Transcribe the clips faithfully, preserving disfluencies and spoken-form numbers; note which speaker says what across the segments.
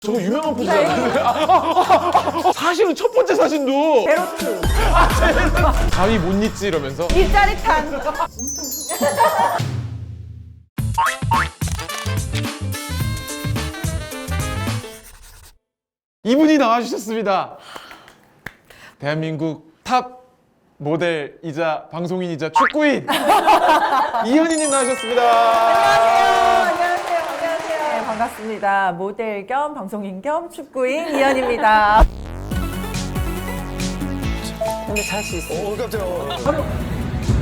Speaker 1: 저거 유명한 포즈잖아요. 사실은 첫 번째 사진도
Speaker 2: 베로트
Speaker 1: 가위 못 잊지 이러면서
Speaker 2: 이 짜릿한
Speaker 1: 이분이 나와주셨습니다. 대한민국 탑 모델이자 방송인이자 축구인 이현희님 나와주셨습니다.
Speaker 2: 안녕하세요 안녕하세요 네, 반갑습니다. 모델 겸 방송인 겸 축구인 이현입니다. 근데 잘 수 있어요.
Speaker 3: 오, 깜짝이야.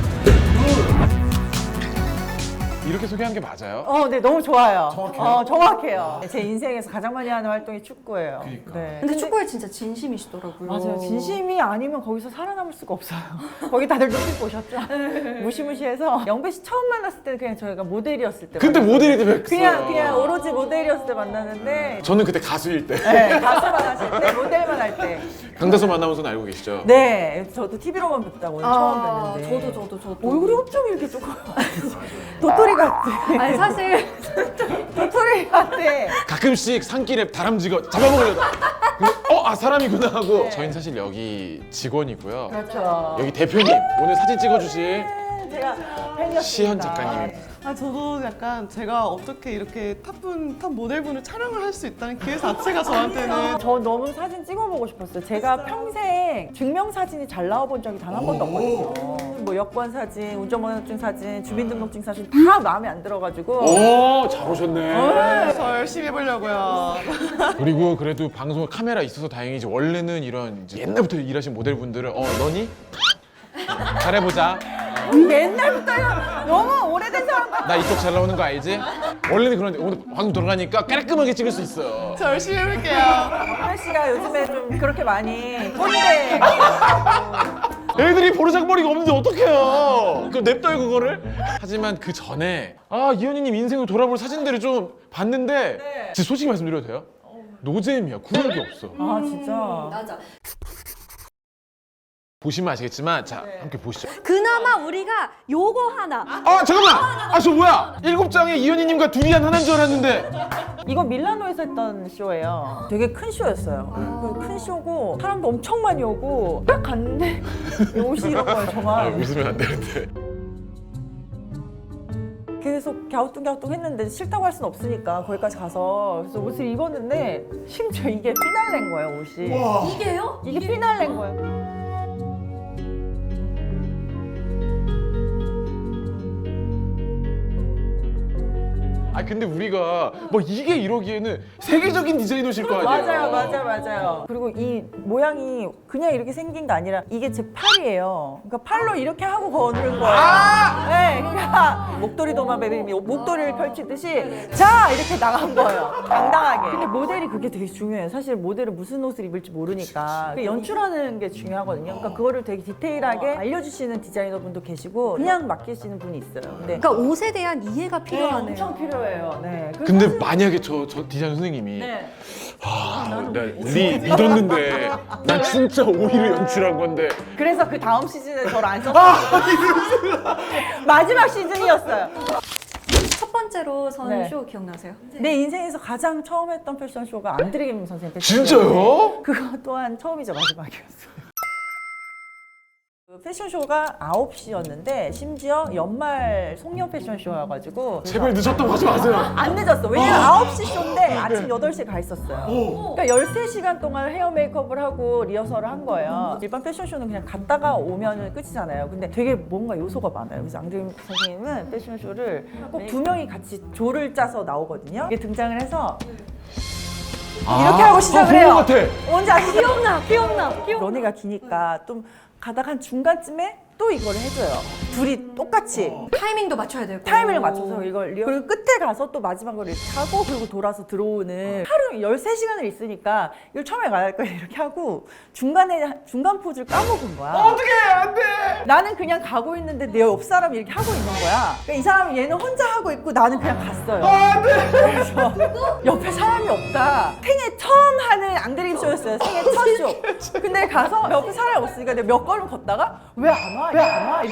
Speaker 1: 이렇게 소개한 게 맞아요?
Speaker 2: 어, 네, 너무 좋아요.
Speaker 1: 정확해요?
Speaker 2: 어, 정확해요. 제 인생에서 가장 많이 하는 활동이 축구예요.
Speaker 1: 그러니까.
Speaker 2: 네.
Speaker 4: 근데 축구에 진짜 진심이시더라고요.
Speaker 2: 맞아요. 진심이 아니면 거기서 살아남을 수가 없어요. 거기 다들 눈빛 보셨죠? 무시무시해서 영배 씨 처음 만났을 때는 그냥 저희가 모델이었을 때
Speaker 1: 그때
Speaker 2: 만났어요.
Speaker 1: 모델이 때 뵀어요.
Speaker 2: 그냥 그냥 오로지 모델이었을 때 만났는데
Speaker 1: 저는 그때 가수일 때
Speaker 2: 네, 가수만 하실 때 모델만 할 때.
Speaker 1: 강다솜 아나운서는 알고 계시죠?
Speaker 2: 네, 저도 티비로만 뵙다고 오늘
Speaker 4: 아,
Speaker 2: 처음 뵀는데.
Speaker 4: 저도 저도 저도.
Speaker 2: 얼굴이 엄청 이렇게 조금 도토리 같아.
Speaker 4: 아니 사실
Speaker 2: 도토리 같아.
Speaker 1: 가끔씩 산길에 다람쥐가 잡아먹으려다 근데 어? 아 사람이구나 하고 저희는 사실 여기 직원이고요.
Speaker 2: 그렇죠.
Speaker 1: 여기 대표님 오늘 사진 찍어주실
Speaker 2: 제가 팬이었습니다.
Speaker 1: 시현 작가님.
Speaker 5: 아 저도 약간 제가 어떻게 이렇게 탑분 탑 모델분을 촬영을 할 수 있다는 기회 자체가 저한테는
Speaker 2: 저 너무 사진 찍어보고 싶었어요. 제가 평생 증명사진이 잘 나와본 적이 단 한 번도 없거든요. 뭐 여권 사진, 운전면허증 사진, 주민등록증 사진 다 마음에 안 들어가지고
Speaker 1: 오, 잘 오셨네.
Speaker 5: 저 열심히 해보려고요.
Speaker 1: 그리고 그래도 방송 카메라 있어서 다행이지 원래는 이런 이제 옛날부터 일하신 모델분들은 어 너니? 잘해보자.
Speaker 2: 옛날부터요. 너무 오래된 사람 같아.
Speaker 1: 나 이쪽 잘 나오는 거 알지? 원래는 그런데 오늘 방송 돌아가니까 깔끔하게 찍을 수 있어요.
Speaker 5: 저 열심히 해볼게요.
Speaker 2: 현 씨가 요즘에 좀 그렇게 많이 꼰대.
Speaker 1: 애들이 버르장머리가 없는데 어떡해요? 그럼 냅둬요 그거를? 하지만 그 전에 아 이현희님 인생을 돌아볼 사진들을 좀 봤는데
Speaker 2: 네.
Speaker 1: 진짜 솔직히 말씀드려도 돼요? 노잼이야. 구력이 없어.
Speaker 2: 아 진짜.
Speaker 4: 맞아.
Speaker 1: 보시면 아시겠지만 자
Speaker 2: 네.
Speaker 1: 함께 보시죠.
Speaker 4: 그나마 우리가 요거 하나.
Speaker 1: 아 잠깐만! 아 저 뭐야? 일곱 장에 이현희님과 둘이 한 하나인 줄 알았는데
Speaker 2: 이거 밀라노에서 했던 쇼예요. 되게 큰 쇼였어요. 그 큰 쇼고 사람도 엄청 많이 오고 딱 갔는데 옷이 이런 거예요
Speaker 1: 아
Speaker 2: 정말.
Speaker 1: 웃으면 안 되는데
Speaker 2: 계속 갸우뚱갸우뚱 했는데 싫다고 할 수는 없으니까 거기까지 가서 그래서 옷을 입었는데 심지어 이게 피날레인 거예요 옷이.
Speaker 4: 이게요?
Speaker 2: 이게 피날레인 거예요.
Speaker 1: 아 근데 우리가 뭐 이게 이러기에는 세계적인 디자이너실 거 아니에요?
Speaker 2: 맞아요, 맞아요, 맞아요. 그리고 이 모양이 그냥 이렇게 생긴 게 아니라 이게 제 팔이에요. 그러니까 팔로 이렇게 하고 거는 거예요. 네, 그러니까 목도리 도마뱀이 목도리를 펼치듯이 자 이렇게 나간 거예요. 당당하게. 근데 모델이 그게 되게 중요해요. 사실 모델은 무슨 옷을 입을지 모르니까 그 연출하는 게 중요하거든요. 그러니까 그거를 되게 디테일하게 알려주시는 디자이너분도 계시고 그냥 맡기시는 분이 있어요. 근데
Speaker 4: 그러니까 옷에 대한 이해가
Speaker 2: 네,
Speaker 4: 필요하네요.
Speaker 2: 엄청 필요해요. 네. 그래서
Speaker 1: 근데
Speaker 2: 사실-
Speaker 1: 만약에 저, 저 디자이너 선생님이
Speaker 2: 네.
Speaker 1: 아, 나 리, 믿었는데 난 진짜 오히려 연출한 건데
Speaker 2: 그래서 그 다음 시즌에 저를 안 썼어요. 마지막 시즌이었어요.
Speaker 4: 첫 번째로 선
Speaker 2: 네.
Speaker 4: 쇼 기억나세요?
Speaker 2: 내 인생에서 가장 처음 했던 패션쇼가 안드레김 선생님 패션쇼.
Speaker 1: 진짜요?
Speaker 2: 그거 또한 처음이자 마지막이었어요. 그 패션쇼가 아홉 시였는데 심지어 연말 송년 패션쇼여가지고
Speaker 1: 제발 늦었다고 하지 마세요.
Speaker 2: 안 늦었어. 왜냐면 아홉 시 쇼인데 아침 여덟 시에 가 있었어요. 그러니까 열세 시간 동안 헤어 메이크업을 하고 리허설을 한 거예요. 일반 패션쇼는 그냥 갔다가 오면 끝이잖아요. 근데 되게 뭔가 요소가 많아요. 그래서 앙드레김 선생님은 패션쇼를 꼭 두 명이 같이 조를 짜서 나오거든요. 이게 등장을 해서 이렇게 하고 시작을 해요.
Speaker 1: 아, 그런 것 같아.
Speaker 2: 뭔지 아시죠?
Speaker 4: 기억나, 기억나, 기억.
Speaker 2: 런웨이가 기니까 좀 가다가 한 중간쯤에 또 이걸 해줘요. 둘이 똑같이
Speaker 4: 타이밍도 맞춰야 되고.
Speaker 2: 타이밍을 맞춰서 이걸 리허- 그리고 끝에 가서 또 마지막으로 이렇게 하고 그리고 돌아서 들어오는 하루 열세 시간을 있으니까 이걸 처음에 갈 거야 이렇게 하고 중간에 중간 포즈를 까먹은 거야.
Speaker 1: 어떻게 안 돼?
Speaker 2: 나는 그냥 가고 있는데 내 옆 사람이 이렇게 하고 있는 거야. 그러니까 이 사람이 얘는 혼자 하고 있고 나는 그냥 갔어요.
Speaker 1: 안 돼.
Speaker 2: 그래서 옆에 사람이 없다. 생애 처음 하는 앙드레김 쇼였어요. 생애 첫 쇼. 근데 가서 옆에 사람이 없으니까 내가 몇 걸음 걷다가 왜 안 와? 왜 안 와? 이렇게 본 거예요.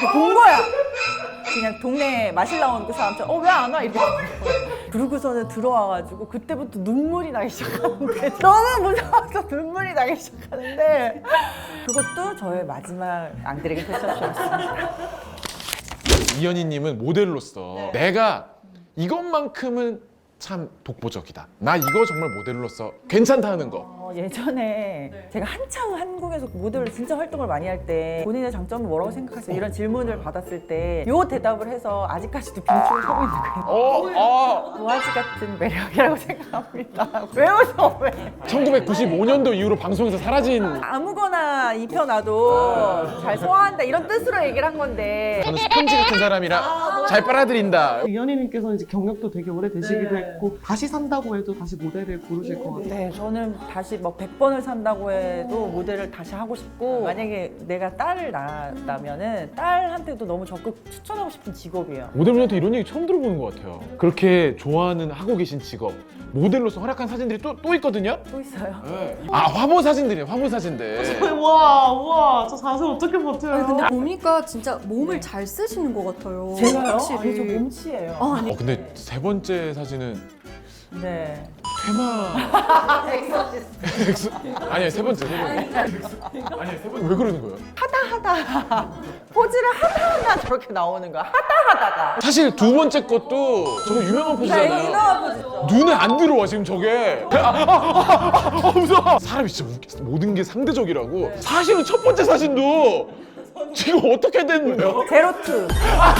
Speaker 2: 거야. 그냥 동네 마실 나오는 그 사람처럼 어 왜 안 와? 이렇게 그러고서는 들어와가지고 그때부터 눈물이 나기 시작하는데 너무 무서워서 눈물이 나기 시작하는데 그것도 저의 마지막 앙드레게 패션쇼였습니다.
Speaker 1: 이현희님은 모델로서 내가 이것만큼은 참 독보적이다. 나 이거 정말 모델로서 괜찮다는 거.
Speaker 2: 어, 예전에 제가 한창 한국에서 모델로 진짜 활동을 많이 할 때 본인의 장점은 뭐라고 생각하세요? 이런 질문을 받았을 때 요 대답을 해서 아직까지도 빈축을 서고 있는 거예요.
Speaker 1: 어, 어.
Speaker 2: 도화지 같은 매력이라고 생각합니다. 왜 웃어 왜?
Speaker 1: 천구백구십오 년도 이후로 방송에서 사라진.
Speaker 2: 아무거나 입혀놔도 잘 소화한다 이런 뜻으로 얘기를 한 건데
Speaker 1: 저는 스펀지 같은 사람이라 잘 빨아들인다.
Speaker 5: 이현희님께서 이제 경력도 되게 오래 되시기도 했고 다시 산다고 해도 다시 모델을 고르실 것 같아요.
Speaker 2: 네, 저는 다시 뭐 백 번을 산다고 해도 모델을 다시 하고 싶고 만약에 내가 딸을 낳았다면은 딸한테도 너무 적극 추천하고 싶은 직업이에요.
Speaker 1: 모델분한테 이런 얘기 처음 들어보는 것 같아요. 그렇게 좋아하는 하고 계신 직업 모델로서 활약한 사진들이 또, 또 있거든요.
Speaker 2: 또 있어요.
Speaker 1: 아 화보 사진들이에요. 화보 사진들.
Speaker 5: 와, 우와, 저 자세 어떻게 버텨요?
Speaker 4: 아니, 근데 보니까 진짜 몸을 잘 쓰시는 것 같아요.
Speaker 2: 제가요?
Speaker 4: 확실히.
Speaker 2: 아니, 저 몸치예요.
Speaker 4: 아, 아니
Speaker 1: 어, 근데 세 번째 사진은
Speaker 2: 네.
Speaker 1: 퇴마. 엑소. 아니요 세 번째 세 번째. 아니 세 번째 왜 그러는 거예요?
Speaker 2: 하다 포즈를 하다 하다 저렇게 나오는 거야. 하다 하다가.
Speaker 1: 사실 두 번째 것도 저거 유명한
Speaker 2: 네,
Speaker 1: 포즈잖아요.
Speaker 2: 유명한 포즈죠.
Speaker 1: 눈에 안 들어와 지금 저게. 아, 아, 아, 아, 아, 무서워. 사람이 진짜 웃기- 모든 게 상대적이라고. 사실은 첫 번째 사진도 지금 어떻게 된 거예요?
Speaker 2: 제로투.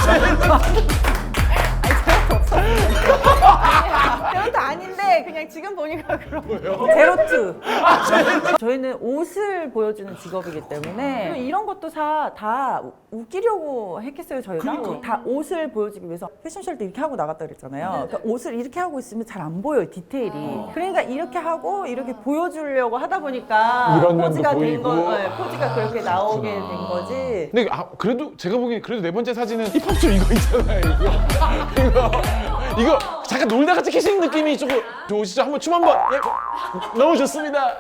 Speaker 2: 제로투 아닌데 그냥 지금 보니까 그런 거예요. 제로투. 저희는 옷을 보여주는 직업이기 때문에 이런 것도 다, 다 웃기려고 했겠어요 저희가. 다 옷을 보여주기 위해서 패션쇼를 때 이렇게 하고 나갔다 그랬잖아요. 그러니까 옷을 이렇게 하고 있으면 잘 안 보여요 디테일이. 그러니까 이렇게 하고 이렇게 보여주려고 하다 보니까
Speaker 1: 이런 면도
Speaker 2: 포즈가 된
Speaker 1: 보이고.
Speaker 2: 거, 네, 포즈가 그렇게 나오게 된 거지.
Speaker 1: 근데 아, 그래도 제가 보기엔 그래도 네 번째 사진은 힙합쇼 이거 있잖아요. 이거 이거 이거 잠깐 놀다가 찍히시는 느낌이 조금 좋으시죠? 한번 춤 한번. 예. 너무 좋습니다.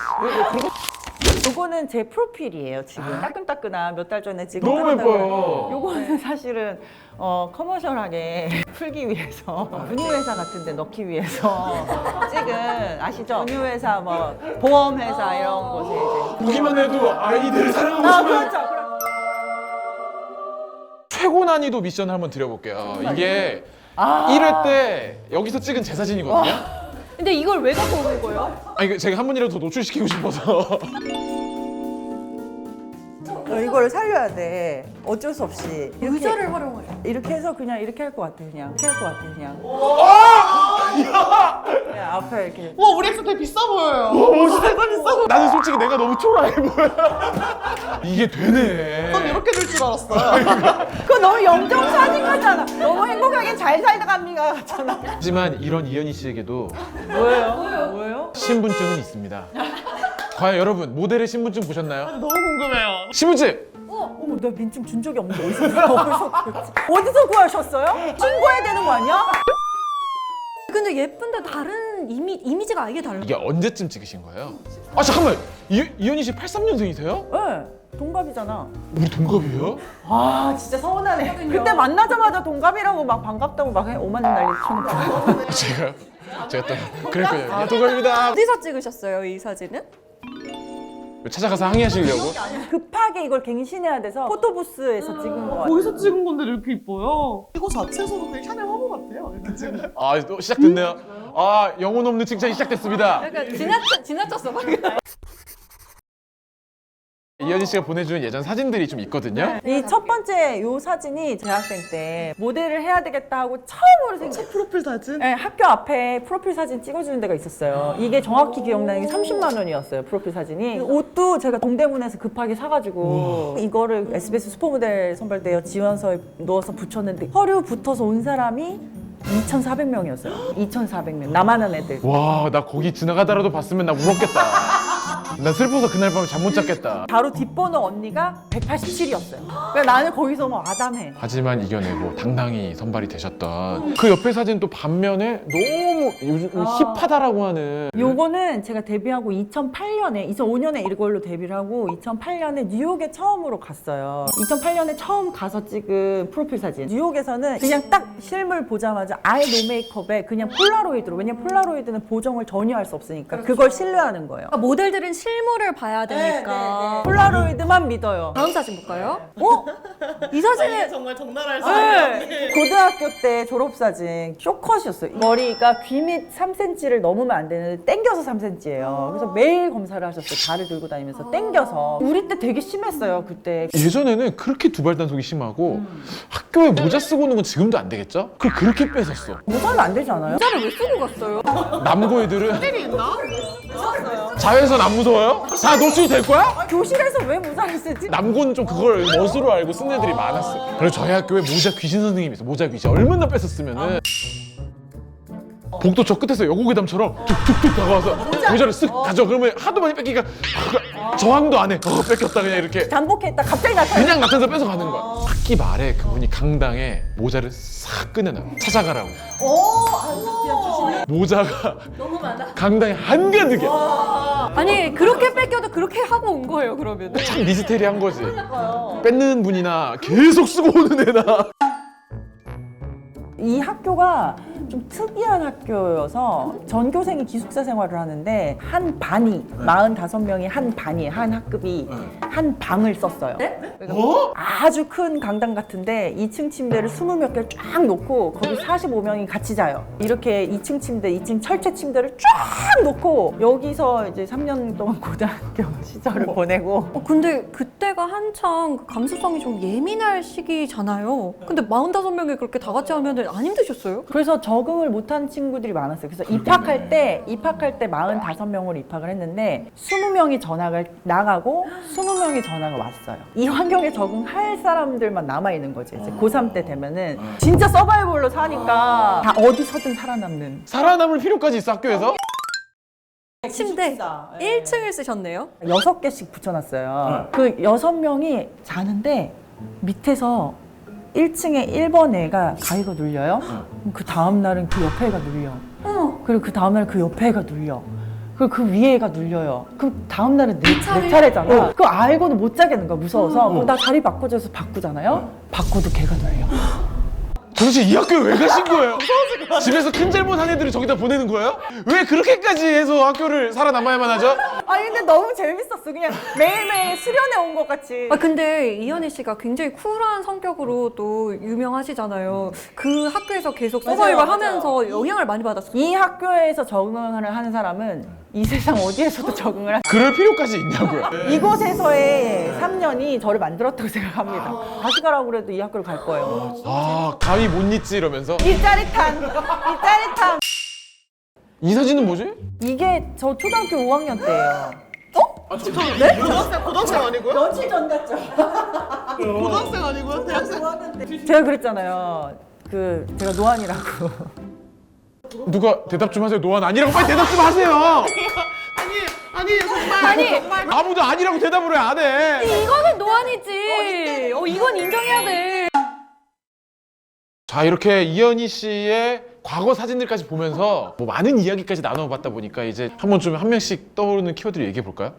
Speaker 2: 요거는 제 프로필이에요 지금. 따끈따끈한 몇 달 전에 지금.
Speaker 1: 너무 예뻐요.
Speaker 2: 요거는 사실은 어, 커머셜하게 풀기 위해서 은유회사 같은 데 넣기 위해서 찍은 아시죠? 은유회사 뭐 보험회사 이런 곳에 이제
Speaker 1: 보기만 해도 아이들
Speaker 2: 아
Speaker 1: 사랑하고 싶은
Speaker 2: 그렇죠. 그럼.
Speaker 1: 최고 난이도 미션을 한번 드려볼게요. 이게
Speaker 2: 아.
Speaker 1: 일 회 때 여기서 찍은 제 사진이거든요.
Speaker 4: 근데 이걸 왜 갖고 오는 거예요?
Speaker 1: 아 이거 제가 한 번이라도 더 노출시키고 싶어서.
Speaker 2: 어, 이거를 살려야 돼. 어쩔 수 없이. 이렇게,
Speaker 4: 의자를 활용해요.
Speaker 2: 이렇게 해서 그냥 이렇게 할 것 같아 그냥. 이렇게 할 것 같아 그냥. 그냥 앞에 이렇게.
Speaker 5: 와, 우리 엑스 되게 비싸 보여요.
Speaker 1: 나는 솔직히 내가 너무 초라해 보여. 이게 되네.
Speaker 5: 전 이렇게 될 줄 알았어요.
Speaker 2: 그거 너무 영정 사진 같잖아. 너무 행복하게 잘 살다 갑니다 같잖아.
Speaker 1: 하지만 이런 이현희 씨에게도
Speaker 2: 뭐예요? 뭐예요?
Speaker 1: 신분증은 있습니다. 과연 여러분 모델의 신분증 보셨나요?
Speaker 5: 너무 궁금해요.
Speaker 1: 신분증!
Speaker 2: 어머, 나 민증 준 적이 없는데 어디서 어디서 구했지? 어디서 구하셨어요? 신고해야 되는 거 아니야?
Speaker 4: 근데 예쁜데 다른 이미, 이미지가 아예 달라.
Speaker 1: 이게 언제쯤 찍으신 거예요? 아 잠깐만! 이, 이현희 씨 팔십삼 년생이세요?
Speaker 2: 네, 동갑이잖아.
Speaker 1: 우리 동갑이에요?
Speaker 2: 아, 진짜 서운하네. 그때 만나자마자 동갑이라고 막 반갑다고 막 해. 오만 원 난리 치는 거.
Speaker 1: 제가 제가 또 그랬거든요. 아, 동갑입니다.
Speaker 4: 어디서 찍으셨어요, 이 사진은?
Speaker 1: 찾아가서 항의하시려고?
Speaker 2: 급하게 이걸 갱신해야 돼서 포토부스에서 찍은 거 같아요.
Speaker 5: 거기서 찍은 건데 이렇게 이뻐요. 이거 자체에서도 그냥 샤넬 화보 같아요. 이렇게 찍은 거.
Speaker 1: 아 또 시작됐네요. 아 영혼 없는 칭찬이 시작됐습니다.
Speaker 4: 약간 지나쳐, 지나쳤어, 방금.
Speaker 1: 이현희 씨가 보내준 예전 사진들이 좀 있거든요.
Speaker 2: 이 첫 번째 요 사진이 대학생 때 모델을 해야 되겠다 하고 처음으로 생긴
Speaker 5: 프로필 사진?
Speaker 2: 네, 학교 앞에 프로필 사진 찍어주는 데가 있었어요. 이게 정확히 기억나는 게 삼십만 원이었어요, 프로필 사진이. 옷도 제가 동대문에서 급하게 사가지고 이거를 에스비에스 슈퍼모델 선발대회 지원서에 넣어서 붙였는데 서류 붙어서 온 사람이 이천사백 명이었어요. 이천사백 명. 나만 한 애들.
Speaker 1: 와 나 거기 지나가다라도 봤으면 나 울었겠다. 나 슬퍼서 그날 밤에 잠 못 잤겠다.
Speaker 2: 바로 뒷번호 언니가 백팔십칠이었어요. 그러니까 나는 거기서 뭐 아담해.
Speaker 1: 하지만 이겨내고 당당히 선발이 되셨던 그 옆에 사진 또 반면에 너무 요즘 힙하다라고 하는
Speaker 2: 요거는 제가 데뷔하고 이천팔 년에 이천오 년에 이걸로 데뷔를 하고 이천팔 년에 뉴욕에 처음으로 갔어요. 이천팔 년에 처음 가서 찍은 프로필 사진. 뉴욕에서는 그냥 딱 실물 보자마자 아예 노 메이크업에 그냥 폴라로이드로. 왜냐면 폴라로이드는 보정을 전혀 할 수 없으니까 그걸 신뢰하는 거예요.
Speaker 4: 그러니까 모델들은 실물을 봐야 되니까.
Speaker 2: 폴라로이드만 믿어요.
Speaker 4: 다음 사진 볼까요? 어? 이 사진은
Speaker 5: 정말 적나라할 수
Speaker 2: 네. 고등학교 때 졸업사진 쇼컷이었어요. 머리가 귀 밑 삼 센티미터를 넘으면 안 되는데 땡겨서 삼 센티미터예요. 그래서 매일 검사를 하셨어요. 발을 들고 다니면서 땡겨서. 우리 때 되게 심했어요, 그때.
Speaker 1: 예전에는 그렇게 두발 단속이 심하고 학교에 모자 쓰고 오는 건 지금도 안 되겠죠? 그걸 그렇게 뺏었어.
Speaker 2: 모자는 안 되지 않아요?
Speaker 4: 모자를 왜 쓰고 갔어요?
Speaker 1: 남고 애들은
Speaker 5: 있나?
Speaker 1: 자외선 안 무서워요? 다 노출이 될 거야?
Speaker 2: 교실에서 왜 모자를 쓰지?
Speaker 1: 남고는 좀 그걸 멋으로 알고 쓴 애들이 많았어. 그래서 저희 학교에 모자 귀신 선생님이 있어. 모자 귀신 얼마나 뺏었으면은 복도 저 끝에서 여고괴담처럼 툭툭툭 다가와서 모자를 쓱 가져. 그러면 하도 많이 뺏기니까 저항도 안 해. 어, 뺏겼다 그냥 이렇게
Speaker 2: 잠복했다 갑자기 나타나.
Speaker 1: 그냥 나타나서 뺏어 가는 거야. 학기 말에 그분이 강당에 모자를 싹 꺼내놔요. 찾아가라고. 모자가
Speaker 4: 너무 많아.
Speaker 1: 강당에 한가득이야.
Speaker 4: 아니 그렇게 뺏겨도 그렇게 하고 온 거예요 그러면.
Speaker 1: 참 미스테리한 거지. 뺏는 분이나 계속 쓰고 오는 애나.
Speaker 2: 이 학교가 좀 특이한 학교여서 전교생이 기숙사 생활을 하는데 한 반이 사십오 명이 한 반이에요. 한 학급이 한 방을 썼어요. 그러니까 아주 큰 강당 같은데 이 층 침대를 이십 몇 개를 쫙 놓고 거기 사십오 명이 같이 자요. 이렇게 이 층 침대, 이 층 철제 침대를 쫙 놓고 여기서 이제 삼 년 동안 고등학교 시절을 보내고
Speaker 4: 어, 근데 그때가 한창 그 감수성이 좀 예민할 시기잖아요. 근데 사십오 명이 그렇게 다 같이 하면 안 힘드셨어요?
Speaker 2: 그래서 적응을 못한 친구들이 많았어요. 그래서 입학할 때 입학할 때 사십오 명으로 입학을 했는데 이십 명이 전학을 나가고 이십 명이 전학을 왔어요. 이 환경에 적응할 사람들만 남아 있는 거지. 이제 고삼 때 되면은 진짜 서바이벌로 사니까 다 어디서든 살아남는.
Speaker 1: 살아남을 필요까지 있어 학교에서?
Speaker 4: 침대 일 층을 쓰셨네요.
Speaker 2: 여섯 개씩 붙여놨어요. 그 여섯 명이 자는데 밑에서 일 층에 일 번 애가 가위가 눌려요. 그럼 그 다음 날은 그 옆에 애가 눌려.
Speaker 4: 어.
Speaker 2: 그리고 그 다음 날은 그 옆에 애가 눌려. 그리고 그 위에 애가 눌려요. 그럼 다음 날은 내, 내 차례잖아. 그거 알고도 못 자겠는 거야, 무서워서. 그럼 나 자리 바꿔줘서 바꾸잖아요. 바꿔도 걔가 눌려.
Speaker 1: 도대체 이 학교에 왜 가신 거예요? 집에서 큰 잘못한 애들을 저기다 보내는 거예요? 왜 그렇게까지 해서 학교를 살아남아야만 하죠?
Speaker 2: 아니 근데 너무 재밌었어. 그냥 매일매일 수련회 온 것 같이.
Speaker 4: 아 근데 이현희 씨가 굉장히 쿨한 성격으로 또 유명하시잖아요. 그 학교에서 계속 서바이벌
Speaker 2: 맞아요,
Speaker 4: 하면서 영향을 많이 받았어요.
Speaker 2: 이 학교에서 적응을 하는 사람은 이 세상 어디에서도 적응을 할
Speaker 1: 그럴 필요까지 있냐고요.
Speaker 2: 이곳에서의 삼 년이 저를 만들었다고 생각합니다. 다시 가라고 그래도 이 학교를 갈 거예요.
Speaker 1: 아 가위 못 잊지 이러면서.
Speaker 2: 이 짜릿한, 이 짜릿한.
Speaker 1: 이 사진은 뭐지?
Speaker 2: 이게 저 초등학교 오 학년 때예요.
Speaker 5: 네? 고등학생, 고등학생 아니고요?
Speaker 2: 며칠 전 같죠?
Speaker 5: 고등학생 아니고요? 대학생?
Speaker 2: 제가 그랬잖아요. 그 제가 노안이라고.
Speaker 1: 누가 대답 좀 하세요. 노안 아니라고 빨리 대답 좀 하세요.
Speaker 5: 아니, 아니, 정말.
Speaker 4: 아니
Speaker 1: 아무도 아니라고 대답을 왜 안 해?
Speaker 4: 이거는 노안이지. 어 이건 인정해야 돼.
Speaker 1: 자 이렇게 이현희 씨의 과거 사진들까지 보면서 뭐 많은 이야기까지 나눠봤다 보니까 이제 한번 좀 한 명씩 떠오르는 키워드를 얘기해 볼까요?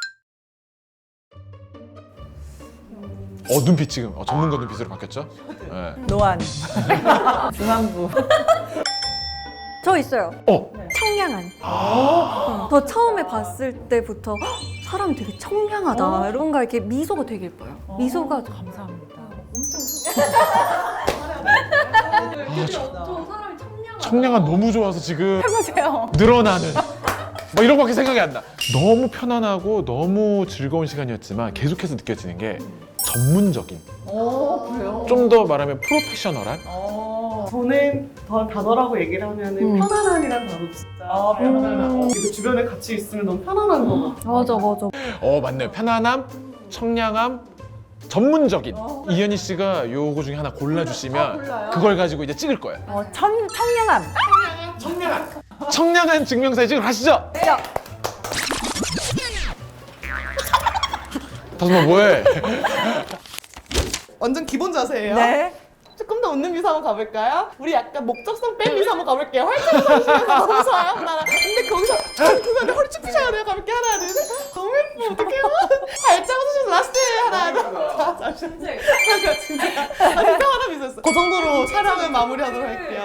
Speaker 1: 어 눈빛 지금 어, 전문가 눈빛으로 바뀌었죠? 네.
Speaker 2: 노안. 중앙부.
Speaker 4: 저 있어요.
Speaker 1: 어
Speaker 4: 청량한. 어, 저 처음에 봤을 때부터 헉, 사람이 되게 청량하다. 이런가 이렇게 미소가 되게 예뻐요. 미소가
Speaker 2: 감사합니다.
Speaker 4: 저 사람이 청량한.
Speaker 1: 청량한 너무 좋아서 지금
Speaker 2: 해보세요.
Speaker 1: 늘어나는 뭐 이런 거밖에 생각이 안 나. 너무 편안하고 너무 즐거운 시간이었지만 계속해서 느껴지는 게 전문적인.
Speaker 2: 오 그래요?
Speaker 1: 좀 더 말하면 프로페셔널한.
Speaker 2: 어.
Speaker 5: 저는 더 단어라고 얘기를 하면 은 편안함이란 단어 진짜
Speaker 2: 아,
Speaker 5: 편안함. 그리고 주변에 같이 있으면 너무 편안한 거 같아.
Speaker 4: 맞아 맞아.
Speaker 1: 어 맞네요. 편안함, 청량함, 전문적인. 이현희 씨가 요거 중에 하나 골라주시면 그걸 가지고 이제 찍을 거예요.
Speaker 2: 어, 청, 청량함.
Speaker 1: 청량한 증명사진 찍으러 가시죠. 다솜아 뭐해?
Speaker 5: 완전 기본 자세예요.
Speaker 2: 네.
Speaker 5: 조금 더 웃는 미소 한번 가볼까요? 우리 약간 목적성 뺀 미소 한번 가볼게요. 활짝 웃으시면서 너무 좋아요. 하나. 근데 거기서 그거 허리 쭉 펴셔야 돼요. 가볼게요. 하나, 둘, 셋. 너무 예뻐. 어떡해요? 활짝 웃으셔서 라스트. 하나, 둘. 자, 잠시만요. 잠깐, 진짜. 아, 진짜 하나 미소였어. 그 정도로 촬영을 마무리하도록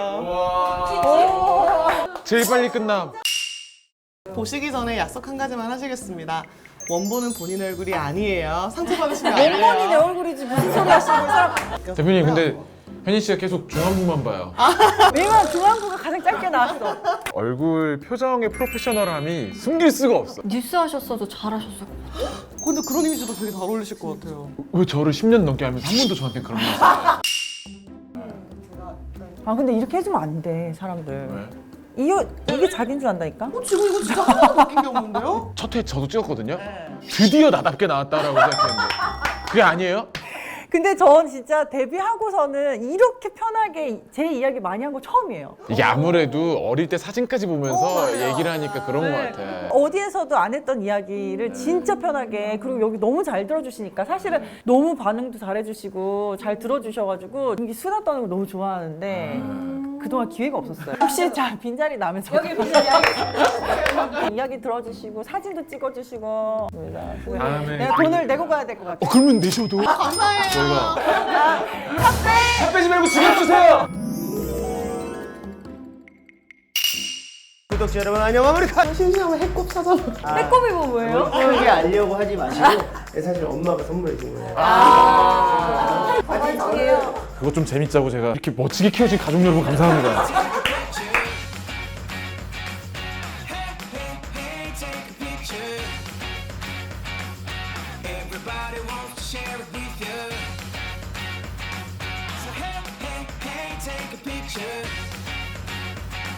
Speaker 5: 할게요.
Speaker 1: 제일 빨리 끝남.
Speaker 5: 보시기 전에 약속 한 가지만 하시겠습니다. 원본은 본인 얼굴이 아니에요. 상처받으시면 안 돼요.
Speaker 2: 원본이 내 얼굴이지 무슨 소리 하시는 거예요? 사람.
Speaker 1: 대표님 근데 현희 씨가 계속 중앙부만 봐요.
Speaker 2: 왜냐면 중앙부가 가장 짧게 나왔어.
Speaker 1: 얼굴 표정의 프로페셔널함이 숨길 수가 없어.
Speaker 4: 뉴스 하셨어도 잘하셨을 것 같아요.
Speaker 5: 근데 그런 이미지도 되게 잘 어울리실 것 같아요.
Speaker 1: 왜 저를 십 년 넘게 하면서 한 번도 저한테 그런 말 했어요?
Speaker 2: 아 근데 이렇게 해주면 안 돼 사람들.
Speaker 1: 왜?
Speaker 2: 이거 이게 자기인 줄 안다니까?
Speaker 5: 어, 지금 이거 진짜 하나도 바뀐 게 없는데요?
Speaker 1: 첫 회 저도 찍었거든요. 드디어 나답게 나왔다라고 생각했는데 그게 아니에요?
Speaker 2: 근데 전 진짜 데뷔하고서는 이렇게 편하게 제 이야기 많이 한 거 처음이에요.
Speaker 1: 이게 아무래도 어릴 때 사진까지 보면서 얘기를 하니까 그런 것 같아.
Speaker 2: 어디에서도 안 했던 이야기를 진짜 편하게, 그리고 여기 너무 잘 들어주시니까 사실은 너무 반응도 잘해주시고 잘 들어주셔가지고 이게 수다 떠는 거 너무 좋아하는데 그동안 기회가 없었어요. 혹시 자 빈자리 나면 여기 빈자리 이야기 들어주시고 사진도 찍어주시고
Speaker 1: 다음에
Speaker 2: 내가 돈을 내고 가야 될 것 같아.
Speaker 1: 어 그러면 내셔도
Speaker 5: 감사해요.
Speaker 1: 저희가 살 빼지 말고 지갑 주세요.
Speaker 3: 구독자 여러분 안녕하십니까.
Speaker 5: 심심하면 해꼽 사잖아.
Speaker 2: 빼꼼이 뭐 뭐예요?
Speaker 3: 편하게 알려고 하지 마시고 사실 엄마가 선물해 준 거예요.
Speaker 2: 가방이에요.
Speaker 1: 그거 좀 재밌자고 제가 이렇게 멋지게 키워진 가족 여러분 감사합니다.